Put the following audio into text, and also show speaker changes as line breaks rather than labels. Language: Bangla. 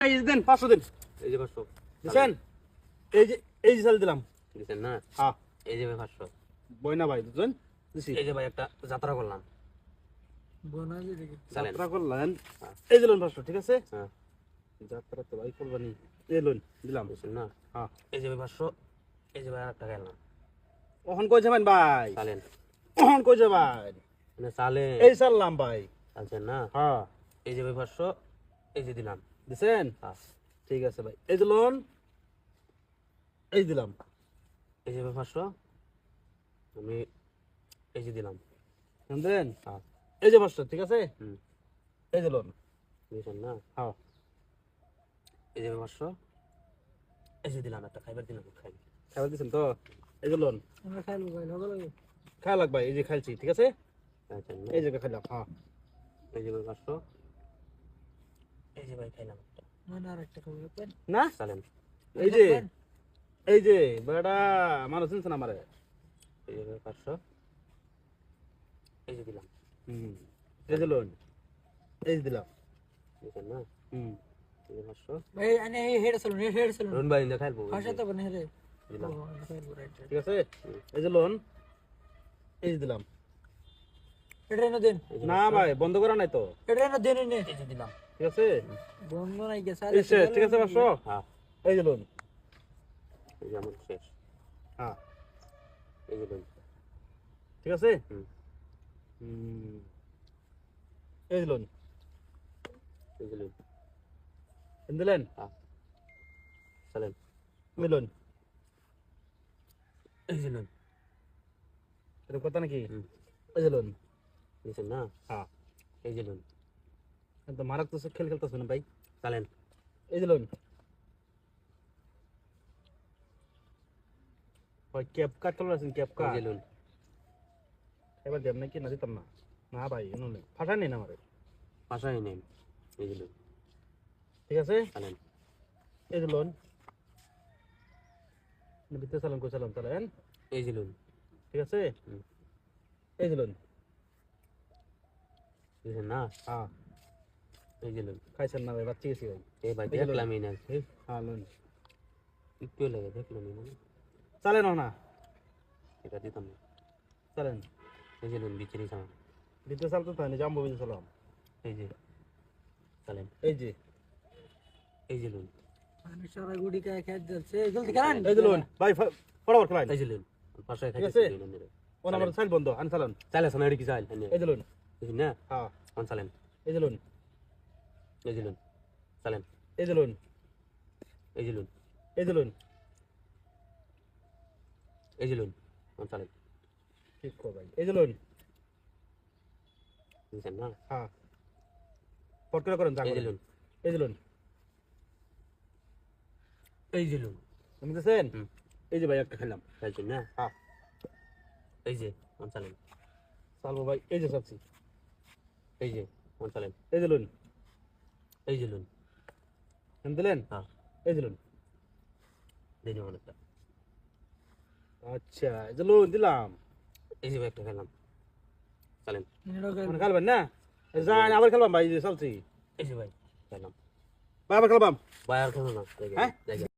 এই যে দেন 500 দিন।
এই যে 500
দিছেন? এই যে চাল দিলাম।
দিছেন না?
হ্যাঁ।
এই যে ভাই 500।
বইনা ভাই দুজন দিছি।
এই যে ভাই একটা যাত্রা করলাম। চালেন।
যাত্রা করলেন।
হ্যাঁ।
এই যে লোন 500 ঠিক আছে?
হ্যাঁ।
যাত্রা তো ভাই করবানি। এই লোন দিলাম।
দিছেন না?
হ্যাঁ।
এই যে ভাই 500। এই যে ভাই আরেকটা গেলাম।
ওহন কই যাবেন ভাই?
চালেন।
ওহন কই যাবেন?
মানে চালেন।
এই চাললাম ভাই।
চালছেন না?
হ্যাঁ।
এই যে ভাই 500। এই যে দিলাম।
দিছেন?
হ্যাঁ।
ঠিক আছে ভাই। এই যে লোন। এই দিলাম।
এই যে ভাই 500। আমি এই যে দিলাম।
শুনলেন?
হ্যাঁ।
এই যে 500 ঠিক আছে?
হুম।
এই যে লোন।
দিছেন না?
হ্যাঁ।
এই যে ভাই 500। এই যে দিলাম একটা খাইবার দিলাম খাই।
খাবার দিছেন তো? এই যে লোন।
আমরা খাইলো ভাই লগে লগে
খাওয়া লাগবে এই যে খাইছি ঠিক আছে?
চালছেন না?
এই জায়গা খাইলাম। হ্যাঁ।
এই যে ভাই 500। এই যে ভাই খাইলাম একটা।
মানে আরেকটা খাবো পেন
না?
চালেন।
এই যে বেটা মানুষ চিনছে না আমারে।
এই যে ভাই 500। এই যে দিলাম।
হুম। এই যে লোন। এই যে দিলাম।
দিছেন না?
হুম।
এই যে 500।
ভাই আনে এই হেড চলুন হেড চলুন
রুন ভাই ইন্দা খাইবো।
ভাষা তো বনে রে
দিলাম।
খাইলো রাইট
ঠিক আছে? এই যে লোন। এই যে দিলাম।
এটা না দেন
এই যে
না ভাই বন্ধ করা নাই তো।
এটা না দেন নে
এই যে দিলাম।
ঠিক আছে?
বন্ধ নাই গেছে
এই শেষ ঠিক আছে 500?
হ্যাঁ।
এই যে লোন।
এই যে আমার শেষ।
হ্যাঁ।
এই যে লোন।
ঠিক আছে?
হুম।
হুম। এই যে লোন।
এই যে লোন।
দিলেন?
হ্যাঁ। চালেন।
এই লোন।
এই যে লোন।
এটা কথা নাকি?
হুম।
এই যে লোন।
দিছেন না?
হ্যাঁ।
এই যে লোন।
তো মারাক তো খেল খেলতেছ না ভাই।
চালেন।
এই যে লোন। ভাই ক্যাপ কাট চলে আসেন ক্যাপ
এই
কাট।
যে লোন।
এবার দেব নাকি না দিতাম না। না ভাই এনে ফাটা নেই না আমারে।
পাশাই নেই। এই যে লোন।
ঠিক আছে?
চালেন।
এই যে লোন। ভিতরে চালান কই চালান চালান।
এই যে লোন।
ঠিক আছে?
হুম।
এই যে লোন।
দিছেন না?
হ্যাঁ।
এই যে লোন।
খাইছেন না ভাই বাচ্চি গেছি ভাই।
এই ভাই
এই যে লোন।
দেখলামই না।
হ্যাঁ লোন।
একটু লাগে দেখলামই না।
চালেন না
এটা দিতাম না।
চালেন।
এই যে লোন বিচেরি চালান।
ভিতরে চালতে তো জাম্বো ভিতরে চালাম।
এই যে চালেন।
এই যে
এই যে লোন।
আমি সারা গুডি খাই খাই যাচ্ছে জলদি কারণ
এই যে লোন ভাই ফটাফট খেলাইন।
এই যে লোন। পাশাই
ঠিক
খাইছে
আছে?
লোন রে।
ও আমার চাল বন্ধ আন চালান।
চালে সোনা এডি কি চাল
এই যে লোন।
দিছেন না?
হ্যাঁ।
কোন চালেন।
এই যে লোন।
এই যে লোন। চালেন।
এই যে লোন।
এই যে লোন।
এই যে লোন।
এই যে লোন। কোন চালেন।
ঠিক কো ভাই। এই যে লোন।
দিছেন না?
হ্যাঁ। ফট করে করেন যা
এই যে
করেন।
লোন।
এই যে লোন।
এই যে লোন।
তুমি দেখছেন?
হুম।
এই যে ভাই একটা খেলাম।
চাইছেন না?
হ্যাঁ।
এই যে কোন চালেন।
চালবো ভাই এই যে চাচ্ছি।
এই যে কোন চালেন।
এই যে লোন।
এই যে লোন।
এম দিলেন?
হ্যাঁ।
এই যে লোন।
দেরি অনেকটা।
আচ্ছা এই যে লোন দিলাম।
এই যে একটা খেলাম। চালেন।
মানে খেলবেন না? যান আবার খেলবাম ভাই এই যে চালছি।
এই যে ভাই খেলাম।
ভাই আবার খেলবাম।
ভাই আর খেলো না।
হ্যাঁ?